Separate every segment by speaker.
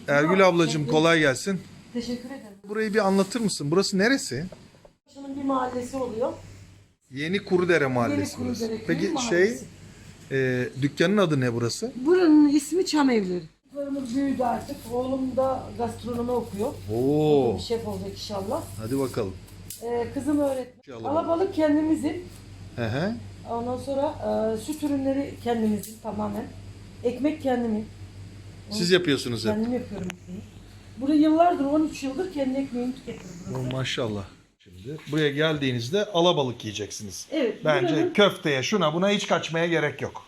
Speaker 1: Ergül ablacığım kolay gelsin.
Speaker 2: Teşekkür ederim.
Speaker 1: Burayı bir anlatır mısın? Burası neresi?
Speaker 2: Şunun bir mahallesi oluyor.
Speaker 1: Yeni Kurudere Mahallesi
Speaker 2: Yeni
Speaker 1: burası.
Speaker 2: Kurudere
Speaker 1: Peki
Speaker 2: Köyü mahallesi.
Speaker 1: dükkanın adı ne burası?
Speaker 2: Buranın ismi Çam Evleri. Çocuklarımız büyüdü artık. Oğlum da gastronomi okuyor.
Speaker 1: Oo.
Speaker 2: Bir şef olacak inşallah.
Speaker 1: Hadi bakalım.
Speaker 2: Kızım öğretmen.
Speaker 1: İnşallah.
Speaker 2: Alabalık kendimizin.
Speaker 1: Hı hı.
Speaker 2: Ondan sonra süt ürünleri kendimizin tamamen. Ekmek kendimin.
Speaker 1: Siz yapıyorsunuz hep.
Speaker 2: Kendim yapıyorum ekmeği. Burada yıllardır, 13 yıldır kendi ekmeğimi tüketiyorum burası.
Speaker 1: Maşallah. Şimdi buraya geldiğinizde alabalık yiyeceksiniz.
Speaker 2: Evet.
Speaker 1: Bence
Speaker 2: buranın-
Speaker 1: köfteye, şuna buna hiç kaçmaya gerek yok.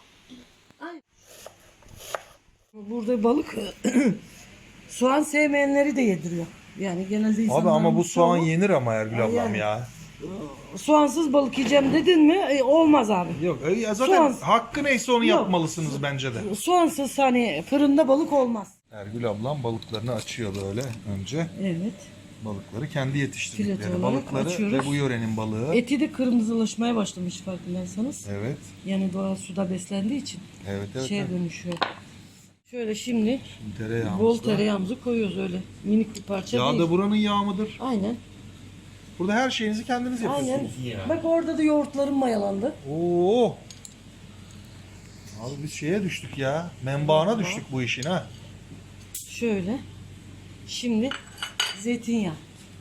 Speaker 2: Burada balık soğan sevmeyenleri de yediriyor. Yani genelde insanların
Speaker 1: Abi ama bu soğan
Speaker 2: çoğu
Speaker 1: yenir ama Ergül ablam
Speaker 2: yani.
Speaker 1: ya.
Speaker 2: soğansız balık yiyeceğim dedin mi olmaz abi.
Speaker 1: Yok ya zaten
Speaker 2: Soğan-
Speaker 1: hakkı neyse onu
Speaker 2: Yok.
Speaker 1: yapmalısınız bence de.
Speaker 2: Soğansız hani fırında balık olmaz.
Speaker 1: Ergül ablam balıklarını açıyor böyle önce.
Speaker 2: Evet.
Speaker 1: Balıkları kendi yetiştirdikleri
Speaker 2: Fileto olarak
Speaker 1: balıkları
Speaker 2: açıyoruz.
Speaker 1: ve bu yörenin balığı.
Speaker 2: Eti de kırmızılaşmaya başlamış farkındaysanız.
Speaker 1: Evet.
Speaker 2: Yani doğal suda beslendiği için
Speaker 1: Evet evet.
Speaker 2: şeye
Speaker 1: evet.
Speaker 2: dönüşüyor. Şöyle şimdi
Speaker 1: Tereyağımız
Speaker 2: bol
Speaker 1: da.
Speaker 2: tereyağımızı koyuyoruz öyle. Minik bir parça
Speaker 1: Yağ
Speaker 2: değil.
Speaker 1: da buranın yağı mıdır?
Speaker 2: Aynen.
Speaker 1: Burada her şeyinizi kendiniz
Speaker 2: Aynen.
Speaker 1: yapıyorsunuz.
Speaker 2: Bak orada da yoğurtlarım mayalandı.
Speaker 1: Oo. Abi biz şeye düştük ya. Menbaına düştük bu işin ha.
Speaker 2: Şöyle. Şimdi zeytinyağı.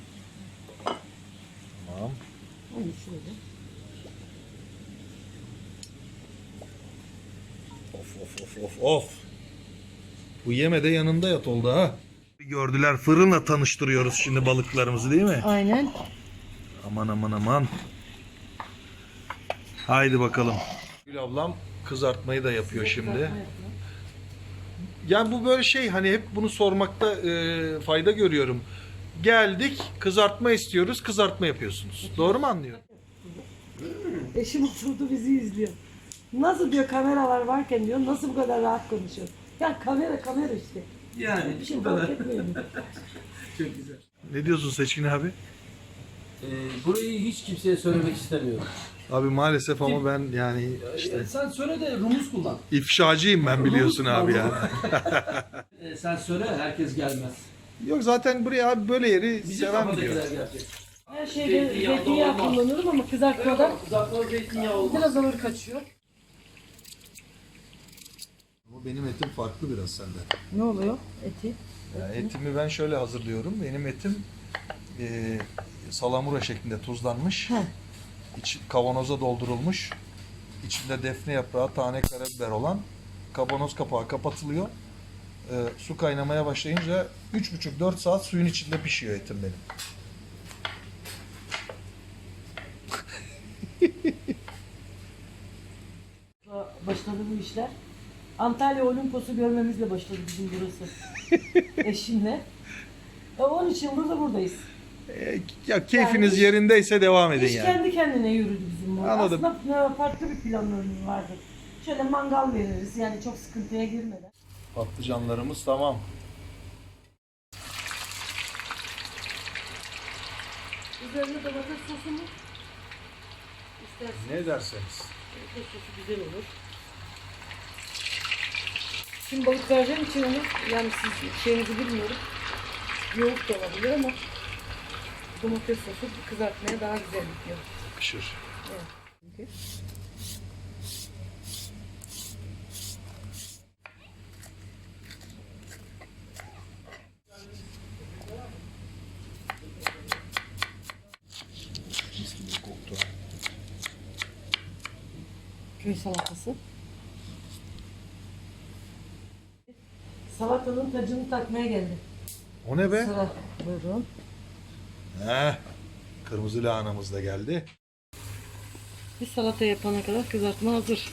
Speaker 1: Tamam.
Speaker 2: Onu şöyle.
Speaker 1: Of. Bu yeme de yanında yat oldu ha. Bir gördüler, fırınla tanıştırıyoruz şimdi balıklarımızı değil mi?
Speaker 2: Aynen.
Speaker 1: Aman. Haydi bakalım. Gül ablam kızartmayı da yapıyor şimdi. Yani bu böyle şey, hani hep bunu sormakta fayda görüyorum. Geldik, kızartma istiyoruz, kızartma yapıyorsunuz. Doğru mu anlıyorum?
Speaker 2: Eşim oturdu bizi izliyor. Nasıl diyor kameralar varken diyor, nasıl bu kadar rahat konuşuyor. Ya kamera işte.
Speaker 3: Yani
Speaker 2: Bir şey
Speaker 3: bu
Speaker 2: fark
Speaker 3: kadar.
Speaker 2: etmiyor mu?
Speaker 3: Çok güzel.
Speaker 1: Ne diyorsun Seçkin abi?
Speaker 3: Burayı hiç kimseye söylemek istemiyorum.
Speaker 1: Abi maalesef ama ben yani işte
Speaker 3: Sen söyle de rumuz kullan.
Speaker 1: ifşacıyım ben, biliyorsun abi ya.
Speaker 3: Sen söyle, herkes gelmez.
Speaker 1: Yok zaten buraya abi böyle yeri
Speaker 3: Bizim
Speaker 1: seven biliyor.
Speaker 3: kafadakiler gelecek.
Speaker 2: Her şeyde zeytinyağı
Speaker 3: olmaz.
Speaker 2: kullanıyorum ama kızartmada
Speaker 3: Kızartma zeytinyağı olmaz.
Speaker 2: biraz ağır kaçıyor.
Speaker 1: Ama benim etim farklı biraz senden.
Speaker 2: Ne oluyor eti?
Speaker 1: Yani etimi ben şöyle hazırlıyorum. Benim etim salamura şeklinde tuzlanmış.
Speaker 2: Heh.
Speaker 1: Kavanoza doldurulmuş. İçinde defne yaprağı, tane karabiber olan, kavanoz kapağı kapatılıyor. Su kaynamaya başlayınca 3,5-4 saat suyun içinde pişiyor etim benim.
Speaker 2: Başladı bu işler. Antalya Olimpos'u görmemizle başladı bizim burası. Eşimle. 13 yıldır da buradayız.
Speaker 1: Ya keyfiniz
Speaker 2: Yani
Speaker 1: yerindeyse devam edin
Speaker 2: İş
Speaker 1: yani.
Speaker 2: kendi kendine yürüdü bizim burada.
Speaker 1: Anladım.
Speaker 2: Aslında farklı bir planlarımız vardı. Şöyle mangal veririz yani çok sıkıntıya girmeden.
Speaker 1: Patlıcanlarımız tamam.
Speaker 2: Üzerine domates sosu mu? İstersen
Speaker 1: Ne derseniz.
Speaker 2: domates sosu güzel olur. Şimdi balık vereceğim için onu, yani siz şeyinizi bilmiyorum. Yoğurt da olabilir ama domates sosu kızartmaya daha güzel gidiyor.
Speaker 1: Yakışır.
Speaker 2: Çünkü.
Speaker 1: Mis gibi koktu.
Speaker 2: Köy salatası. Salatanın tacını takmaya geldi.
Speaker 1: O ne be?
Speaker 2: Sıra. Buyurun.
Speaker 1: Heh. Kırmızı lahanamız da geldi.
Speaker 2: Bir salata yapana kadar kızartma hazır.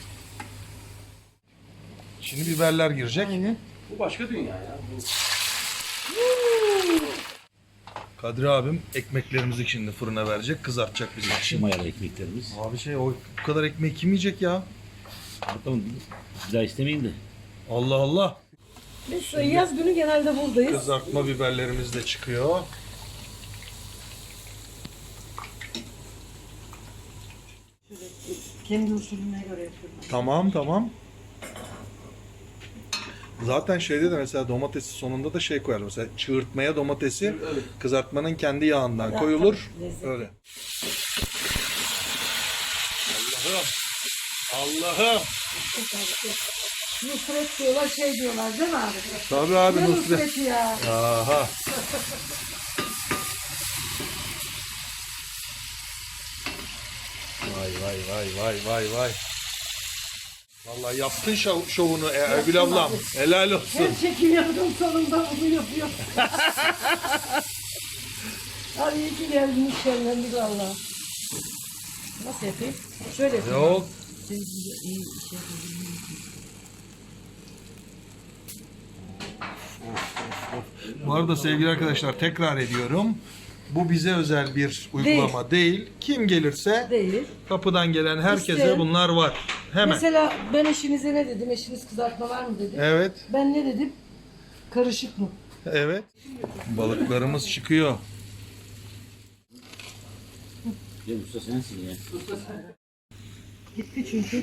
Speaker 1: Şimdi biberler girecek.
Speaker 2: Aynen.
Speaker 3: Bu başka dünya ya. Bu
Speaker 1: Kadri abim ekmeklerimizi şimdi fırına verecek, kızartacak bizim için.
Speaker 4: Mayalı ekmeklerimiz.
Speaker 1: Abi o bu kadar ekmeği kim yiyecek ya?
Speaker 4: Bakalım bir daha istemeyin de.
Speaker 1: Allah Allah.
Speaker 2: Biz yaz günü genelde buradayız.
Speaker 1: Kızartma biberlerimiz de çıkıyor.
Speaker 2: Kendi usulüne göre yapıyorum.
Speaker 1: Tamam. Zaten şeyde de mesela domatesi sonunda da şey koyar. Mesela çığırtmaya domatesi kızartmanın kendi yağından
Speaker 2: Ya,
Speaker 1: koyulur.
Speaker 2: tabii, lezzetli.
Speaker 1: Öyle. Allah'ım.
Speaker 2: Nusret diyorlar, şey diyorlar değil mi abi?
Speaker 1: Tabii abi
Speaker 2: Ne
Speaker 1: Nusret.
Speaker 2: Nusret'i ya?
Speaker 1: Aha. Vay vay vay vay vay vay. Vallahi yaptın şovunu Ergül ablam. Helal olsun.
Speaker 2: Her çekim yaptım sonunda bunu yapıyor. Abi iyi ki geldin işlemlendi valla. Nasıl yapayım? Şöyle yapayım.
Speaker 1: Yok.
Speaker 2: İyi şey.
Speaker 1: Bu arada sevgili arkadaşlar tekrar ediyorum. Bu bize özel bir uygulama değil. Kim gelirse
Speaker 2: Değil.
Speaker 1: kapıdan gelen herkese
Speaker 2: İsteyen.
Speaker 1: bunlar var. Hemen.
Speaker 2: Mesela ben eşinize ne dedim? Eşiniz kızartma var mı dedi.
Speaker 1: Evet.
Speaker 2: Ben ne dedim? Karışık mı?
Speaker 1: Evet. Balıklarımız çıkıyor.
Speaker 4: Ya usta sensin ya.
Speaker 2: Gitti çünkü.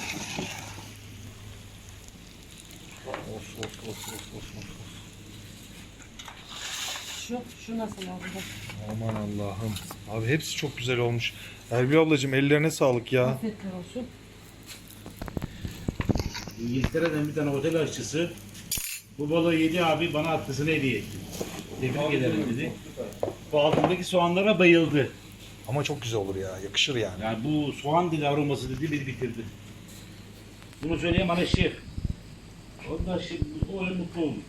Speaker 2: Şu nasıl abi?
Speaker 1: Aman Allah'ım. Abi hepsi çok güzel olmuş. Erbil ablacığım ellerine sağlık ya.
Speaker 2: Afiyetler olsun.
Speaker 5: İngiltere'den bir tane otel aşçısı bu balığı yedi abi bana atlısını hediye etti. Tebrik ederim dedi. Bu altındaki soğanlara bayıldı.
Speaker 1: Ama çok güzel olur ya. Yakışır yani.
Speaker 5: Yani bu soğan dedi aroması dedi beni bitirdi. Bunu söyleyen bana şef. Ondan şimdi o öyle mutlu oldu.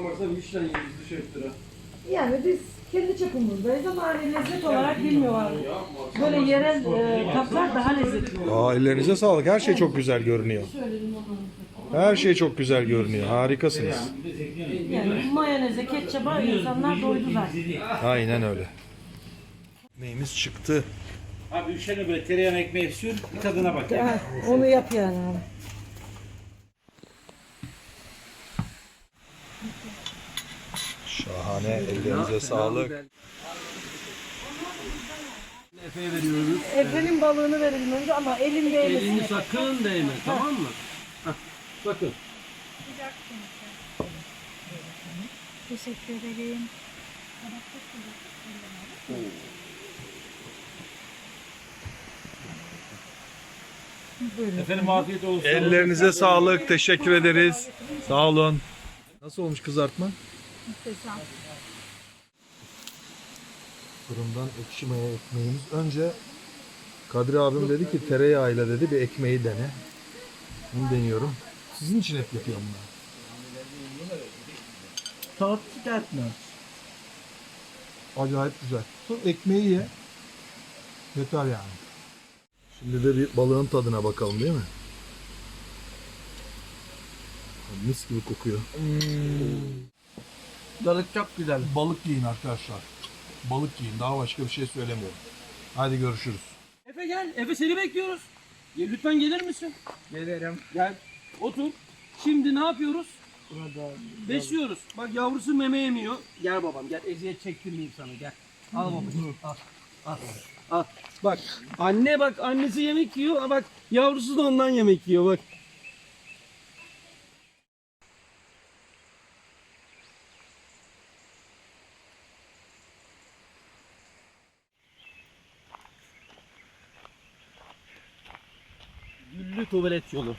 Speaker 2: Yani biz kendi çapımızdayız ama hani lezzet olarak bilmiyorlar. Böyle yerel kaplar daha lezzetli.
Speaker 1: Aa, ellerinize sağlık. Her şey çok güzel görünüyor.
Speaker 2: Söyledim onu.
Speaker 1: Her şey çok güzel görünüyor. Harikasınız.
Speaker 2: Yani mayoneze, ketçaba insanlar doydu zaten.
Speaker 1: Aynen öyle. Neyimiz çıktı.
Speaker 5: Abi üşene böyle tereyağını ekmeği sür bir tadına bak.
Speaker 2: Ha, onu yap yani abi.
Speaker 1: Şahane. Ellerinize sağlık.
Speaker 3: Efe'ye veriyoruz.
Speaker 2: Efe'nin balığını verelim önce ama elin değmesin.
Speaker 3: Elini sakın değme, tamam mı? Hah, sakın.
Speaker 6: Teşekkür ederim.
Speaker 5: Efendim afiyet olsun.
Speaker 1: Ellerinize sağlık. Teşekkür ederiz. Sağ olun. Nasıl olmuş kızartma?
Speaker 6: Muhteşem.
Speaker 1: Fırından ekşi maya ekmeğimiz. Önce Kadri abim dedi ki tereyağıyla dedi bir ekmeği dene. Bunu deniyorum. Sizin için hep yapıyorum ben.
Speaker 3: Tat çıkartma.
Speaker 1: Acayip güzel. Sonra ekmeği ye. Yeter yani. Şimdi de bir balığın tadına bakalım değil mi? Mis gibi kokuyor.
Speaker 3: Balık çok güzel.
Speaker 1: Balık yiyin arkadaşlar. Balık yiyin. Daha başka bir şey söylemiyorum. Hadi görüşürüz.
Speaker 3: Efe gel. Efe seni bekliyoruz. Lütfen gelir misin? Gelirim. Gel. Otur. Şimdi ne yapıyoruz? Besliyoruz. Bak yavrusu meme yemiyor. Gel babam gel. Eziyet çektirmeyeyim sana gel. Al babacığım. Al. Al. Al. Bak anne bak annesi yemek yiyor. Bak yavrusu da ondan yemek yiyor bak. Güllü tuvalet yolu.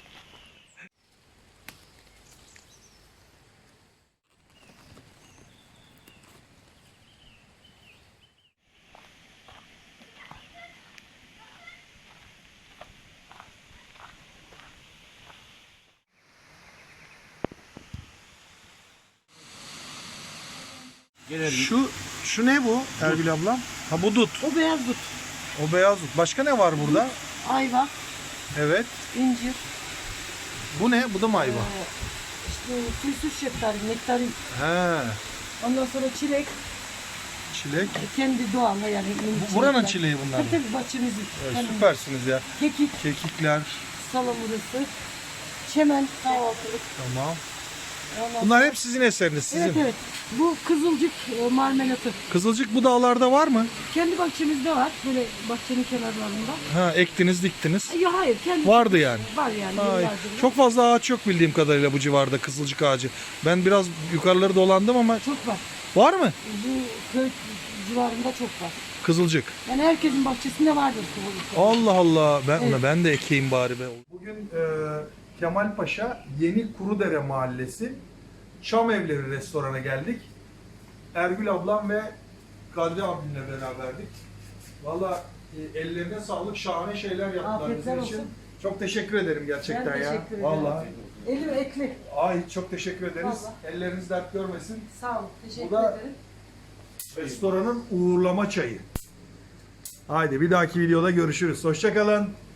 Speaker 1: Şu ne bu Erbil ablam? Ha bu dut.
Speaker 2: O beyaz dut.
Speaker 1: O beyaz dut. Başka ne var burada?
Speaker 2: Ayva,
Speaker 1: Evet.
Speaker 2: incir,
Speaker 1: Bu ne? Bu da mı ayva?
Speaker 2: işte tüysüz şeftali, nektarin.
Speaker 1: He.
Speaker 2: Ondan sonra çilek,
Speaker 1: Çilek.
Speaker 2: kendi doğal yani.
Speaker 1: Buranın çileği bunlar.
Speaker 2: Tabii tabii bahçemizin.
Speaker 1: Evet,
Speaker 2: Yani
Speaker 1: süpersiniz ya.
Speaker 2: kekik,
Speaker 1: Kekikler.
Speaker 2: salamurası, çemen, kahvaltılık.
Speaker 1: Tamam. Bunlar hep sizin eseriniz, sizin.
Speaker 2: Evet evet. Bu kızılcık marmelatı.
Speaker 1: Kızılcık bu dağlarda var mı?
Speaker 2: Kendi bahçemizde var. Böyle bahçenin kenarlarında.
Speaker 1: Ha, ektiniz, diktiniz.
Speaker 2: Ya hayır. Kendi
Speaker 1: Vardı yani.
Speaker 2: Var yani.
Speaker 1: Ay,
Speaker 2: yıllardır.
Speaker 1: çok fazla ağaç yok bildiğim kadarıyla bu civarda, kızılcık ağacı. Ben biraz yukarıları dolandım ama
Speaker 2: Çok var.
Speaker 1: var mı
Speaker 2: Bu köy civarında çok var.
Speaker 1: kızılcık?
Speaker 2: Yani herkesin bahçesinde vardır kızılcık.
Speaker 1: Allah Allah.
Speaker 2: Evet.
Speaker 1: Ben de ekeyim bari be. Bugün Kemalpaşa Yeni Kurudere Mahallesi Çam Evleri restorana geldik. Ergül ablam ve Kadri abimle beraberdik. Valla ellerine sağlık, şahane şeyler yaptılar
Speaker 2: Afiyetler
Speaker 1: bizim için.
Speaker 2: olsun.
Speaker 1: Çok teşekkür ederim gerçekten
Speaker 2: Ben
Speaker 1: ya.
Speaker 2: teşekkür ederim.
Speaker 1: Valla.
Speaker 2: Elim ekli.
Speaker 1: Ay çok teşekkür ederiz.
Speaker 2: Vallahi.
Speaker 1: Elleriniz dert görmesin.
Speaker 2: Sağ olun. Teşekkür
Speaker 1: Bu da-
Speaker 2: ederim.
Speaker 1: Restoranın uğurlama çayı. Haydi bir dahaki videoda görüşürüz. Hoşça kalın.